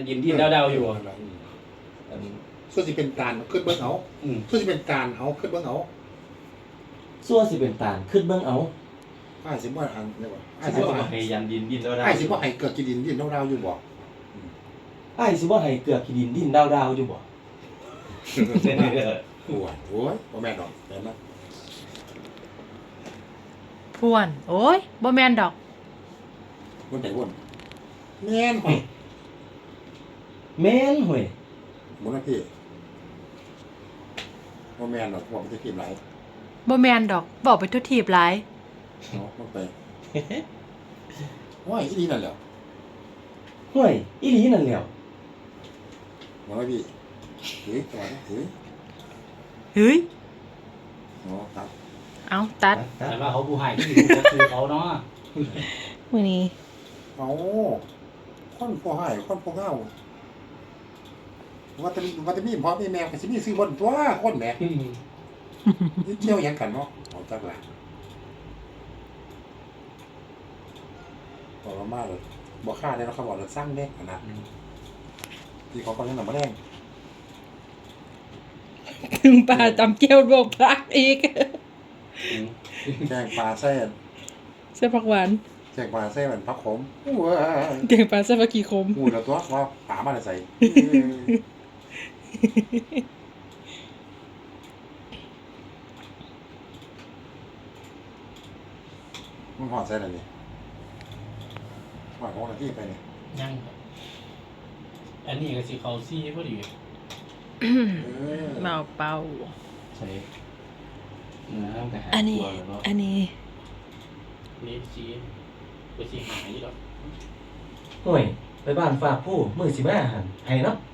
ยินที่เดาๆอยู่ส่วนที่เป็นการขึ้นเบิ้งเอาส่วนที่เป็นการเอาขึ้นเบิ้งเอาซั่วสิเป็นตาลขึ้นเบิ่งเอาไอ้สิบ่อันเนี่ยว่าไอ้ไอ้สิสิบ่บ่ให้ยันดินดินแล้วได้ไอ้สิบ่ให้เกิดกินดินดินดาวๆอยู่บ่อ้ายสิบ่ให้เกลือขี้ดินดินดาวๆอยู่บ่โอ้ยโอ้ยบ่แม่นดอกแต่นะพวนโอ้ยบ่แม่นดอกวนไหนวนแม่นหอยแม่นห่วยบ่นะพี่บ่แม่นดอกว่ามันจะกินหลายบ่แม่นดอกบอกไปทุกทีบหลายเนาะมันไปโอ้ยอีนี่นั่นแหละห่วยอีหลีนั่นแหล้วบ่นะพี่เฮ้ยตัวนะเฮ้ยเฮ้ยเนาะครับเอาตัดแต่ว่าเขาผู้ให้ที่ก็คือเขาเนาะมื้อนี้เอาคนผู้ให้คนผู้เฮาว่าจะมีพ่อมีแม่ก็สิมีซื้อบนตัวคนแหมนี่เที่ยวหยังกันเนาะเอาจักล่ะบอกเรามาเลยบ่ค่าได้แล้วเขาบอกเราสร้างเด้ขนาดที่เขาก็ยังนำมาแรงถึงป่าจำเกี้ยวบวกพักอีกแกงปลาแซ่บเสื้อผักหวานแกงปลาแซ่บมันพักขมว้าแกงปลาเสื้อผักกีคมหูแล้วตัวว่าปลามาใส่มันหอดใส่อะไรนี่หอดของอะไรที่ไปเนี่ยยังอันนี้ก็สิเขาซี่พอดีเมาเป่าใช่น้ำกระหายอันนี้ตัวแล้วเนาะอันนี้นี่สีก็สิหายอยู่แล้วห่วยไปบ้านฝากผู้มื้อสิมาหั่นให้เนาะ